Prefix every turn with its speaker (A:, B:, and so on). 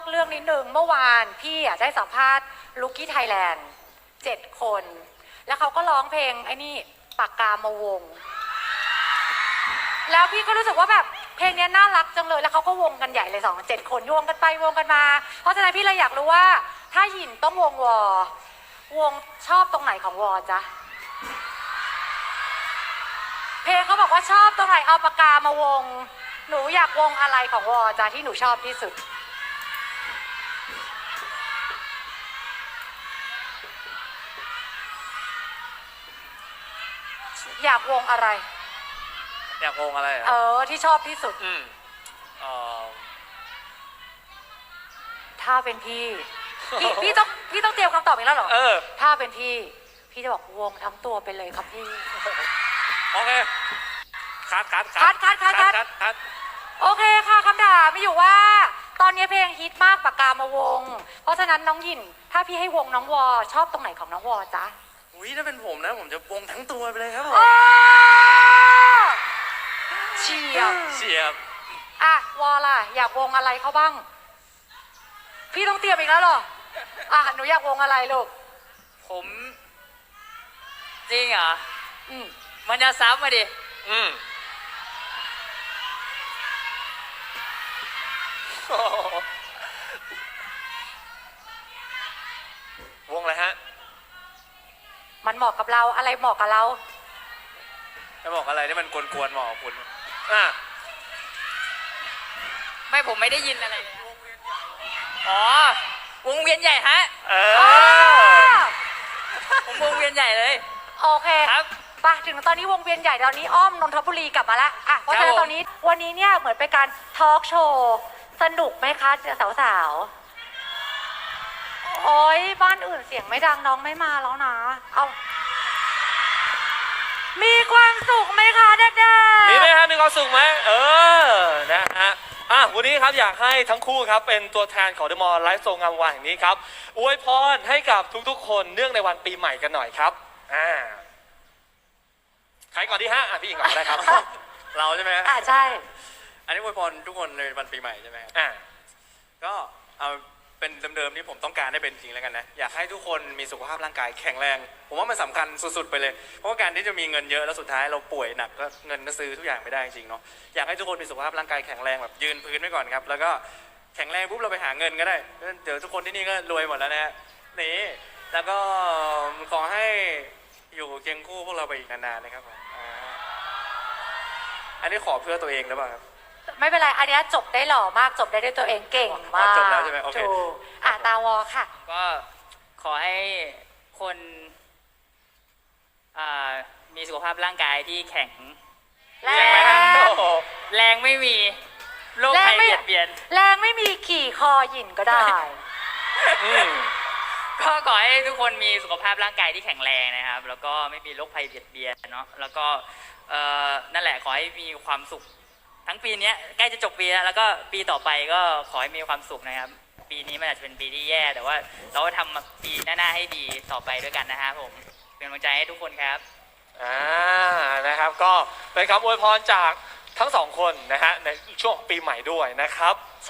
A: อกเรื่องนิดนึงเมื่อวานพี่ได้สัมภาษณ์ลุกกี้ไทยแลนด์7 คน แล้วเขาก็ร้องเพลงไอ้นี่ปากกามาวงแล้วพี่ก็รู้สึกว่าแบบเพลงนี้น่ารักจังเลยแล้วเขาก็วงกันใหญ่เลย7 คนวงกันไปวงกันมาเพราะฉะนั้นพี่เลยอยากรู้ว่าถ้าหยินต้องวงวงชอบตรงไหนของวอจ๊ะเพลงเขาบอกว่าชอบตรงไหนเอาปากกามาวงหนูอยากวงอะไรของวอจ๊ะที่หนูชอบที่สุดอยากวงอะไร
B: อยากวงอะไร
A: ที่ชอบที่สุดถ้าเป็นพี่ต้องเตรียมคำตอบอีกแล้วเหรอถ้าเป็นพี่จะบอกวงทั้งตัวไปเลยครับพี่
B: โอเคคัด
A: โอเคค่ะคำถามมีอยู่ว่าตอนนี้เพลงฮิตมากปากกามาวงเพราะฉะนั้นน้องหยินถ้าพี่ให้วงน้องวอชอบตรงไหนของน้องวอจ๊ะ
B: อุ้ยถ้าเป็นผมนะผมจะวงทั้งตัวไปเลยครับผม
A: เฉียบวอล่ะอยากวงอะไรเขาบ้างพี่ต้องเตรียมอีกแล้วเหรอหนูอยากวงอะไรลูก
C: ผมจริงเหรอมันจะซ้ำมาดิ
B: วงอะไรฮะ
A: มันเหมาะกับเราอะไรเหมาะกับเรา
B: จะบอกอะไรที่มันกวนๆเหมาะกับคุณ
C: ไม่ผมไม่ได้ยินอะไรวงเวียนใหญ่ฮะผมวงเวียนใหญ่เลย
A: โอเคครับไปถึงตอนนี้วงเวียนใหญ่ตอนนี้อ้อมนนทบุรีกลับมาแล้วเพราะฉะนั้นตอนนี้วันนี้เนี่ยเหมือนเป็นการทอล์กโชว์สนุกไหมคะสาวๆโอ้ยบ้านอื่นเสียงไม่ดังน้องไม่มาแล้วนะมีความสุขไหมคะเด็กๆ
B: มีไหมฮะมีความสุขไหมนะฮะวันนี้ครับอยากให้ทั้งคู่ครับเป็นตัวแทนของ The Mall ไลฟ์โซงามวานแห่งนี้ครับอวยพรให้กับทุกๆคนเนื่องในวันปีใหม่กันหน่อยครับใครก่อนดีฮะพี่อิงก่อนได้ครับ เราใช่ไหม
A: ใช่
B: อันนี้อวยพรทุกคนในวันปีใหม่ใช่ไหมก็เอาเป็นเดิมๆที่ผมต้องการได้เป็นจริงแล้วกันนะอยากให้ทุกคนมีสุขภาพร่างกายแข็งแรงผมว่ามันสำคัญสุดๆไปเลยเพราะว่าการที่จะมีเงินเยอะแล้วสุดท้ายเราป่วยหนักก็เงินก็ซื้อทุกอย่างไม่ได้จริงเนาะอยากให้ทุกคนมีสุขภาพร่างกายแข็งแรงแบบยืนพื้นไว้ก่อนครับแล้วก็แข็งแรงปุ๊บเราไปหาเงินก็ได้เดี๋ยวทุกคนที่นี่ก็รวยหมดแล้วนะฮะนี่แล้วก็ขอให้อยู่เคียงคู่พวกเราไปอีกนานๆนะครับอันนี้ขอเพื่อตัวเองหรือเปล่าครับ
A: ไม่เป็นไรอันนี้จบได้หล่อมากจบได้ด้วยตัวเองเก่งมาก
B: จบแล้วใช่ไหมโอเค
A: ตาวอค่ะ
C: ก็ขอให้คนมีสุขภาพร่างกายที่แข็ง
A: แรง
C: ไม่มีโรคภัยเบียดเบียน
A: แรงไม่มีขี่คอหยินก็ได้
C: ก็ขอให้ทุกคนมีสุขภาพร่างกายที่แข็งแรงนะครับแล้วก็ไม่มีโรคภัยเบียดเบียนเนาะแล้วก็นั่นแหละขอให้มีความสุขทั้งปีนี้ใกล้จะจบปีแล้วก็ปีต่อไปก็ขอให้มีความสุขนะครับปีนี้มันอาจจะเป็นปีที่แย่แต่ว่าเราก็ทำปีหน้าให้ดีต่อไปด้วยกันนะครับผมเป็นกำลังใจให้ทุกคนครับ
B: นะครับก็เป็นคำอวยพรจากทั้งสองคนนะฮะในช่วงปีใหม่ด้วยนะครับ